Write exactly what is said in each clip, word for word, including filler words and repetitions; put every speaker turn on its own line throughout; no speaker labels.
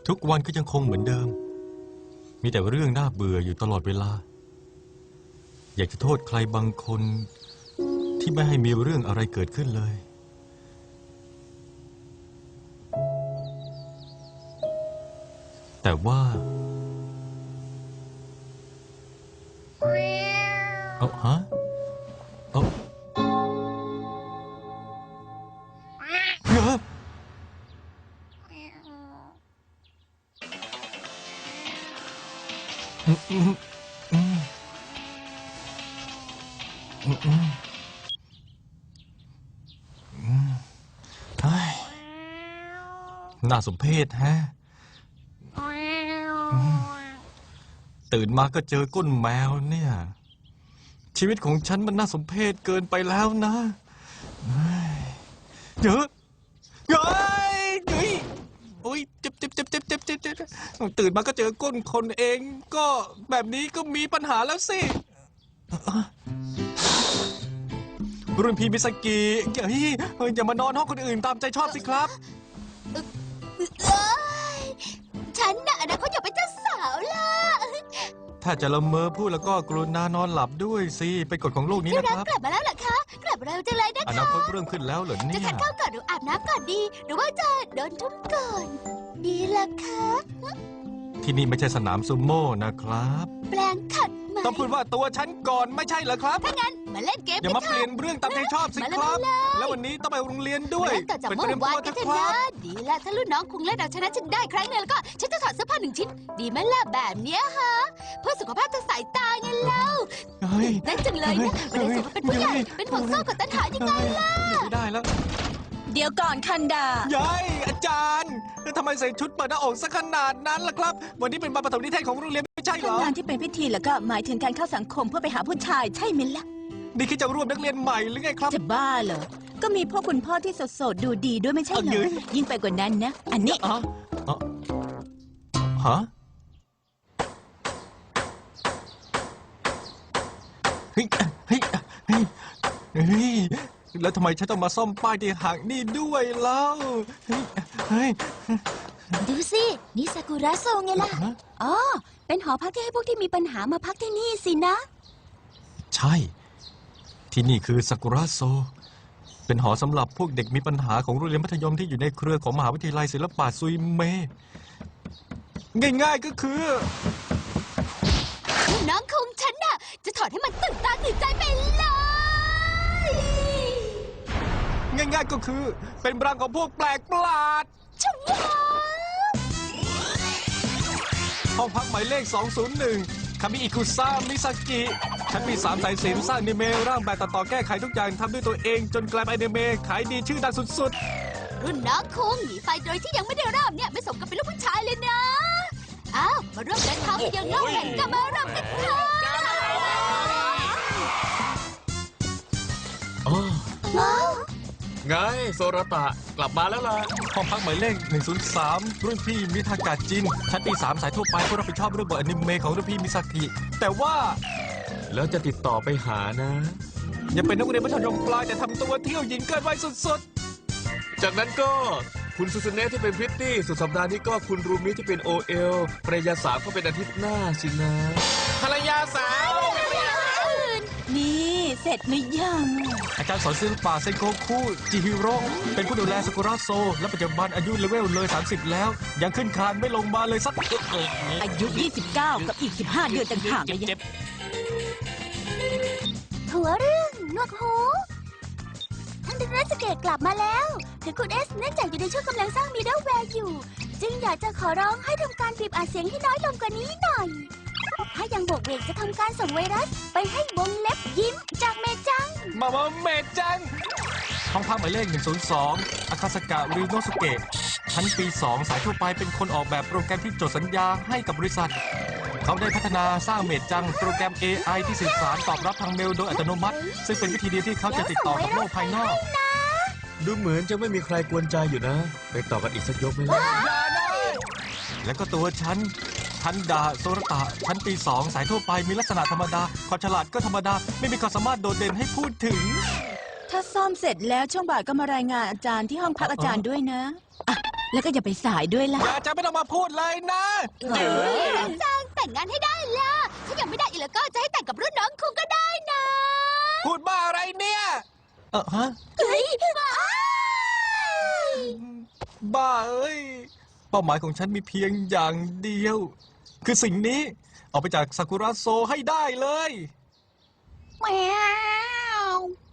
ทุกวันก็ยังคงเหมือนเดิมมีแต่เรื่องน่าเบื่ออยู่ตลอดเวลาอยากจะโทษใครบางคนที่ไม่ให้มีเรื่องอะไรเกิดขึ้นเลยแต่ว่าเอาฮะเอาเฮ้ยอืมอืมอืมอืมอืมอืมเฮ้ยน่าสมเพชแฮะตื่นมาก็เจอก้นแมวเนี่ยชีวิตของฉันมันน่าสมเพชเกินไปแล้วนะเยอะเฮ้ยเฮ้ยโอ้ยเจ็บเจ็บเจ็บเจ็บเจ็บเจ็บเจ็บตื่นมาก็เจอก้นคนเองก็แบบนี้ก็มีปัญหาแล้วสิรุ่นพี่มิสกิเฮ้ยอย่ามานอนห้องคนอื่นตามใจชอบสิครับ
ฉันน่ะอนาคตอยากเป็นเจ้าสาวล่ะ
ถ้าจะละเมอพูดแล้วก็กรุณานอนหลับด้วยสิเป็นกฎของโลกนี้นะครับ
กลับมาแล้วเหรอคะกลับเร็วจังเลยนะคะ
อนาคตเริ่มขึ้นแล้วเหรอเนี่ย
จะทานข้าวก่อนหรืออาบน้ำก่อนดีหรือว่าจะโดนทุ่มก่อนดีล่ะคะ
ที่นี่ไม่ใช่สนามซูโม่นะครับ
แปลงขัดไหม
ต้องพูดว่าตัวฉันก่อนไม่ใช่เหรอครับ
ถ้างั้นมาเล่นเกม
อย่ามาเปลี่ยนเรื่องตามใจชอบสิครับแล้ววันนี้ต้องไปโรงเรียนด้วย
ต่อจากเมื่อวานกันเถอะนะดีละถ้ารุ่นน้องคงเล่นเอาชนะฉันได้ครั้งนึงแล้วก็ฉันจะถอดเสื้อผ้าหนึ่งชิ้นดีไหมล่ะแบบเนี้ยฮะเพื่อสุขภาพทางสายตาไงเล่านั่นจังเลยนะวันนี้สุขเป็นผู้ใหญ่เป็นห่วงโซ่กับตันหายังไงล่ะ
ไม่ได้แล้ว
เดี๋ยวก่อนคันดาย
ายอาจารย์ทำไมใส่ชุดเปิดหน้าอกซะขนาดนั้นล่ะครับวันนี้เป็นวันปฐมนิเทศของโรงเรียนไม่ใช่เหรอง
านที่เป็นพิธีแล้วก็หมายถึงการเข้าสังคมเพื่อไปหาผู้ชายใช่ไหมล่ะ
นี่คิดจะรวมนักเรียนใหม่หรือไงครับ
จะบ้าเหรอก็มีพวกคุณพ่อที่โสดๆดูดีด้วยไม่ใช่เหรอยิ่งไปกว่านั้นนะอันนี้
อ๋อฮะเฮ้ยเฮ้ยเฮ้ยเฮ้ยแล้วทำไมฉันต้องมาซ่อมป้ายที่ห่างนี่ด้วยเล่าเฮ้ยเฮ้ย
ดูสินี่ซากุระโซไงล่ะอ๋อเป็นหอพักที่ให้พวกที่มีปัญหามาพักที่นี่สินะ
ใช่ที่นี่คือซากุระโซเป็นหอสำหรับพวกเด็กมีปัญหาของโรงเรียนมัธยมที่อยู่ในเครือของมหาวิทยาลัยศิลปะซุยเมง่ายๆก็คือ
น้องคุงฉันน่ะจะถอดให้มันตื่นตาตื่นใจไปเลย
ง่ายๆก็คือเป็นรังของพวกแปลกประหลาด
ชัว
ห้องพักหมายเลขสองศูนย์หนึ่งคามิอิคุซ่ามิซากิชั้นปีสามสายศิลป์สร้างอนิเมะร่างแบบตัดต่อแก้ไขทุกอย่างทำด้วยตัวเองจนกลายเป็นอนิเมะขายดีชื่อดังสุด
ๆรุ่นน้องคุงหนีไฟโดยที่ยังไม่ได้เริ่มเนี่ยไม่สมกับเป็นลูกผู้ชายเลยนะอ้าวมาร่วมเดินทางไปยังโลกแห่งกามารำกันเถอะ
ไงโซรตะกลับมาแล้วล่ะ
ห้องพักหมายเลขหนึ่งศูนย์สามรุ่นพี่มิทากาจินชั้นปีสามสายทั่วไปผู้รับผิดชอบเรื่องบทอนิเมะของรุ่นพี่มิซากิแต่ว่า
แล้วจะติดต่อไปหานะ
อย่าเป็นนักเรียนมัธยมปลายแต่ทำตัวเที่ยวหญิงเกินวัยสุด
ๆจากนั้นก็คุณซูซูเนะที่เป็นพริตตี้สุดสัปดาห์นี้ก็คุณรูมิที่เป็นโอเอลภรรยาสาวก็เป็นอาทิตย์หน้าสินะ
ภรรยาสาว
นี่เสร็จหรือยัง
อาจารย์สอนศิลปะเซนโกคุจิฮิโร่เป็นผู้ดูแลซากุระโซและปัจจุบันอายุเลเวลเลยสามสิบแล้วยังขึ้นคานไม่ลงมาเลยสัก
อายุยี่สิบเก้ากับอีกสิบห้าเดือนต่างหากเลย
หัวเรื่องนวดหูท่านดรสเกตกลับมาแล้วถึงคุณเอสเนื่องจากอยู่ในช่วงกำลังสร้างมิดเดิลแวร์อยู่จึงอยากจะขอร้องให้ทำการบีบอัดเสียงให้น้อยลงกว่านี้หน่อยถ้ายังบวกเวกจะทำการส่งไวรัสไปให้วงเล็บยิ้มจากเมจัง
มาว่าเมจังห้องพักหมายเลขหนึ่งศูนย์สองอาคาสกะริโนสุเกะชั้นปีสองสายทั่วไปเป็นคนออกแบบโปรแกรมที่จดสัญญาให้กับบริษัทเขาได้พัฒนาสร้างเมจังโปรแกรม เอ ไอ ที่สื่อสารตอบรับทางเมลโดยอัตโนมัติซึ่งเป็นวิธีเดียวที่เขาจะติดต่อกับโลกภายนอก
ดูเหมือนจะไม่มีใครกวนใจอยู่นะไปต่อกันอีกสักยกไหมล่ะ
แล้วก็ตัวฉันทันดาโซรตะชั้นปีสองสายทั่วไปมีลักษณะธรรมดาความฉลาดก็ธรรมดาไม่มีความสามารถโดดเด่นให้พูดถึง
ถ้าซ่อมเสร็จแล้วช่วงบ่ายก็มารายงานอาจารย์ที่ห้องพักอาจารย์ด้วยนะแล้วก็อย่าไปสายด้วยล่ะ
อย่าจะไม่ต้องมาพูดเลยนะ
จังแต่งงานให้ได้ล่ะ ถ้ายังไม่ได้อีกแล้วก็จะให้แต่งกับรุ่นน้องคุงก็ได้นะ
พูดบ้าอะไรเนี่ยเออฮะ
เฮ้ยว้าย
บ้าเอ้ย เป้าหมายของฉันมีเพียงอย่างเดียว คือสิ่งนี้ออกไปจากซากุระโซให้ได้เลย
แมว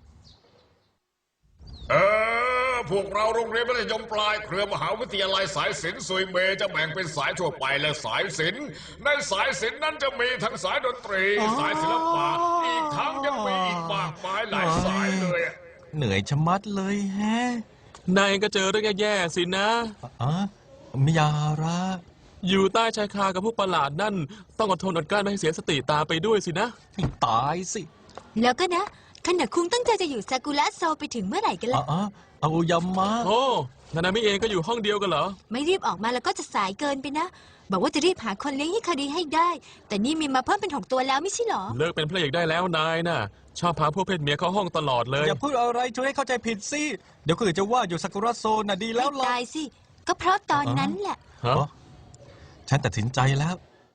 เออ พวกเราโรงเรียนมัธยมปลายเครือมหาวิทยาลัยสายศิลป์ซุยเมจะแบ่งเป็นสายทั่วไปและสายศิลป์ในสายศิลป์นั้นจะมีทั้งสายดนตรี
อ๋อ
สายศิลปะอีกทั้งยังมีอีกมากมายหลายสายเลยอะ
เหนื่อยชะมัดเลยแฮะ
นายก็เจอเรื่องแย่ๆสินะ
อ๋อมิยาระ
อยู่ใต้ชายคากับพวกประหลาดนั่น ต้องอดทนอดกลั้นไม่ให้เสียสติตามไปด้วยสินะ
ให้ตายสิ
แล้วก็นะขณะคุงตั้งใจจะอยู่ซากุระโซไปถึงเมื่อไหร่กัน
อ๋
ล่ะ
อเอายามะ
โอ้นานามิเองก็อยู่ห้องเดียวกันเหรอ
ไม่รีบออกมาแล้วก็จะสายเกินไปนะ บอกว่าจะรีบหาคนเลี้ยงฮิคาริให้ได้ แต่นี่มีมาเพิ่มเป็นหกตัวแล้วไม่ใช่เหรอ
เลิกเป็นพระเอกได้แล้วนายน่ะ ชอบพาพวกเพศเมียเข้าห้องตลอดเลย
อย่าพูดอะไรช่วยให้เข้าใจผิดสิ เดี๋ยวคนอื่นจะว่าอยู่ซากุระโซน่ะดีแล้ว
ไม่
ล่ะ
ตายสิ ก็เพราะตอนนั้นแหละ
ฮะ
อ๋อฉันตัดสินใจแล้ว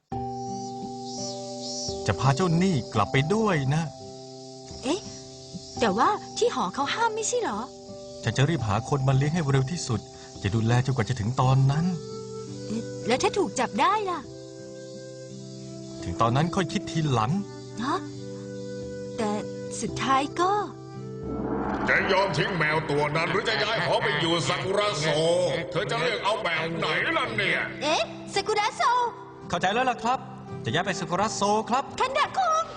จะพาเจ้าหนี้กลับไปด้วยนะ
เอ๊ะ แต่ว่าที่หอเขาห้ามไม่ใช่เหรอ
ฉันจะรีบหาคนมาเลี้ยงให้เร็วที่สุด จะดูแลจนกว่าจะถึงตอนนั้น
เอ๊ะแล้วถ้าถูกจับได้ล่ะ
ถึงตอนนั้นค่อยคิดทีหลัง
ฮะ แต่สุดท้ายก็
จะยอมทิ้งแมวตัวนั้น หรือจะย้ายหอไปอยู่ซากุระโซ เธอจะเลือกเอาแบบไหนล่ะเนี่ย
เอ๊ะซากุระโซ
เข้าใจแล้วล่ะครับ จะย้ายไปซากุระโซครับ
คันดะคุง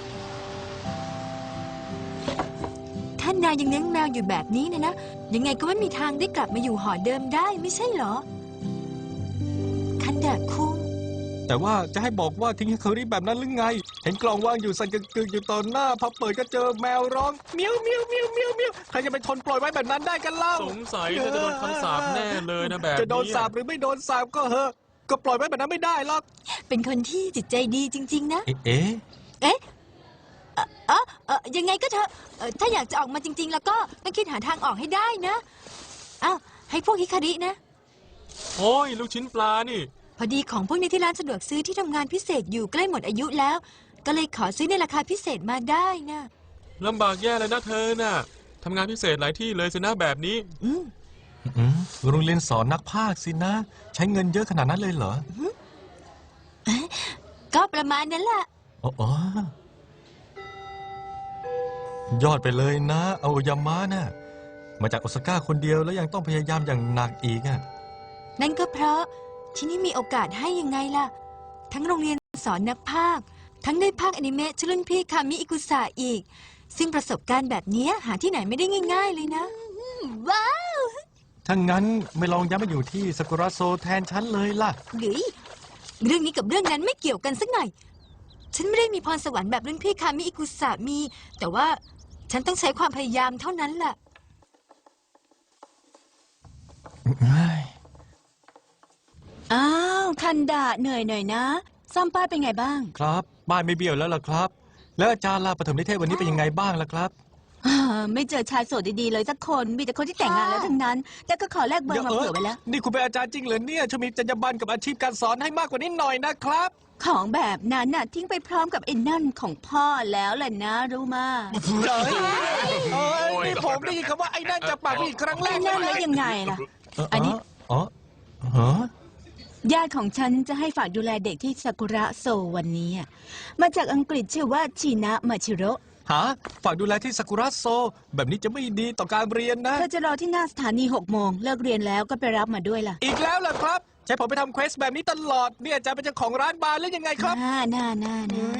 ท่านนายยังเลี้ยงแมวอยู่แบบนี้นะนะ ยังไงก็ไม่มีทางได้กลับมาอยู่หอเดิมได้ไม่ใช่เหรอ คันดะคุง
แต่ว่าจะให้บอกว่าทิ้งให้เคอรี่แบบนั้นหรือไง เห็นกล่องวางอยู่สั่นกึกๆอยู่ตอนหน้าพอเปิดก็เจอแมวร้องเมียวเมียวเมียวเมียวเมียวใครจะไปทนปล่อยไว้แบบนั้นได้กันเล่า
สงสัยน่าจะโดนคำสาปแน่เลยนะแบบนี้
จะโดนสาปหรือไม่โดนสาปก็เหอะ ก็ปล่อยไว้แบบนั้นไม่ได้หรอก
เป็นคนที่จิตใจดีจริง ๆ นะ
เอ๊ะเอ๊ะ
เอ๊ะเอ่อเออเออยังไงก็เถอะเอ่อถ้าอยากจะออกมาจริง ๆ แล้วก็ต้องคิดหาทางออกให้ได้นะอ้าวให้พวกฮิคารินะ
โอ้ยลูกชิ้นปลานี่
พอดีของพวกนี้ที่ร้านสะดวกซื้อที่ทำงานพิเศษอยู่ใกล้หมดอายุแล้ว ก็เลยขอซื้อในราคาพิเศษมาได้นะ
ลำบากแย่เลยนะเธอน่ะทำงานพิเศษหลายที่เลยสินะแบบนี้
อืม
อืมโรงเรียนสอนนักพากย์สินะ ใช้เงินเยอะขนาดนั้นเลยเหรอ
ก็ประมาณนั้นแหละ
อ๋ออ๋อยอดไปเลยนะเอายามะน่ะมาจากโอซาก้าคนเดียวแล้วยังต้องพยายามอย่างหนักอีกอ่ะ
นั่นก็เพราะที่นี่มีโอกาสให้ยังไงล่ะ ทั้งโรงเรียนสอนนักพากย์ทั้งได้พากย์อนิเมะชื่อรุ่นพี่คามิอิกุสะอีก ซึ่งประสบการณ์แบบนี้หาที่ไหนไม่ได้ง่าย ๆ เลยนะว้าว
ถ้างั้นไม่ลองย้ายมาอยู่ที่ซากุระโซแทนฉันเลยล่ะ
หรือเรื่องนี้กับเรื่องนั้นไม่เกี่ยวกันสักหน่อย ฉันไม่ได้มีพรสวรรค์แบบรุ่นพี่คามิอิกุสะมี แต่ว่าฉันต้องใช้ความพยายามเท่านั้นแหละ
อ้าวคันดะเหนื่อยหน่อยนะซ่อมป้ายเป็นไงบ้าง
ครับบ้านไม่เบี้ยวแล้วล่ะครับ แล้วอาจารย์ลาปฐมนิเทศวันนี้เป็นยังไงบ้างล่ะครับ
อ่าไม่เจอชายโสดดีๆเลยสักคน มีแต่คนที่แต่งงานแล้วทั้งนั้น แต่ก็ขอแลกเบอร์มาเผื่อไว้แล้ว
นี่คุณเป็นอาจารย์จริงเหรอเนี่ยช่วยมีจรรยาบรรณกับอาชีพการสอนให้มากกว่านี้หน่อยนะครับ
ของแบบนั้นน่ะทิ้งไปพร้อมกับไอ้นั่นของพ่อแล้วแหละนะรู้มา
เอ้ยเอ้ยนี่ผมได้ยินคำว่าไอ้นั่นจะปากนี่ครั้งแร
ไอ้
ก
นั่นแล้วยังไงล่ะ อันนี้
อ๋อฮะ
ญาติของฉันจะให้ฝากดูแลเด็กที่ซากุระโซวันนี้อะมาจากอังกฤษชื่อว่าชินะมาชิโร่
ฮะฝากดูแลที่ซากุระโซ แบบนี้จะไม่ดีต่อการเรียนนะ
เธอจะรอที่หน้าสถานีหกโมงเลิกเรียนแล้วก็ไปรับมาด้วยล่ะ
อีกแล้วล่ะครับ ใช้ผมไปทำเควสแบบนี้ตลอดเนี่ยอาจารย์เป็นเจ้าของร้านบาร์หรือยังไงครับ
น่าน่าน่าน่า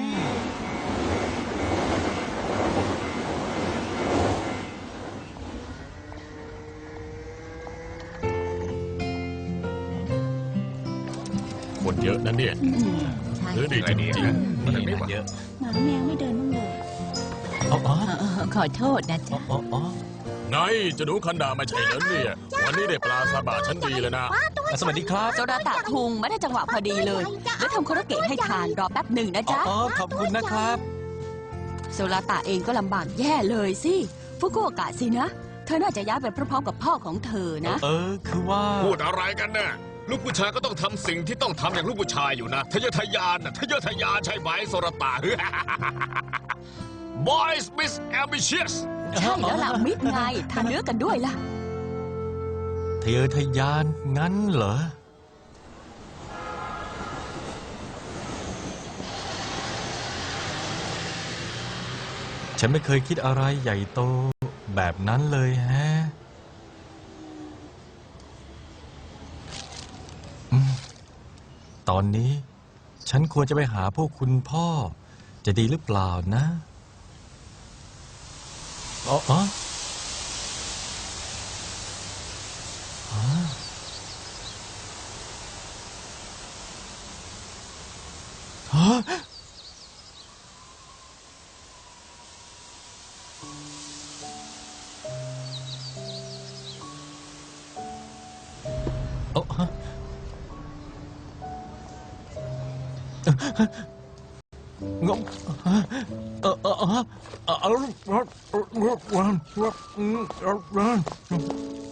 คนเยอะนั่นเนี่ย
อืมใช่
เออดีจริงๆมันไม่เยอะ
หมาแมวไม่เดินบ้างเลย
อ๋ออ๋อ
เออเออขอโทษนะจ๊ะ
อ๋ออ๋อ
ไงจะหนูคันดาไม่ใช่เหรอเนี่ย วันนี้ได้ปลาซาบะชั้นดีเลยนะ
สวัสดีครับ
โซดาตะคุงไม่ได้จังหวะพอดีเลยแล้วทำโคโรเกะให้ทานรอแป๊บหนึ่งนะจ๊ะ
อ๋อขอบคุณนะครับ
โซลาตะเองก็ลำบากแย่เลยสิฟุกุโอกะสินะเธอน่าจะย้ายไปพร้อมๆกับพ่อของเธอนะ
เออ คือว่า
พูดอะไรกันเนี่ยลูกผู้ชายก็ต้องทำสิ่งที่ต้องทำอย่างลูกผู้ชายอยู่นะทะเยอทะยานนะทะเยอทะยานใช่ไหมโซรตา Boys Miss Ambitious
ใช่แล้วล่ะมิดไงทานเนื้อกันด้วยล่ะ
ทะเยอทะยานงั้นเหรอ ฉันไม่เคยคิดอะไรใหญ่โตแบบนั้นเลยแฮะอืมตอนนี้ฉันควรจะไปหาพวกคุณพ่อ จะดีหรือเปล่านะอ๋ออ๋ออ๋อฮะ เอ้าฮะงงเออเออเออเออเออ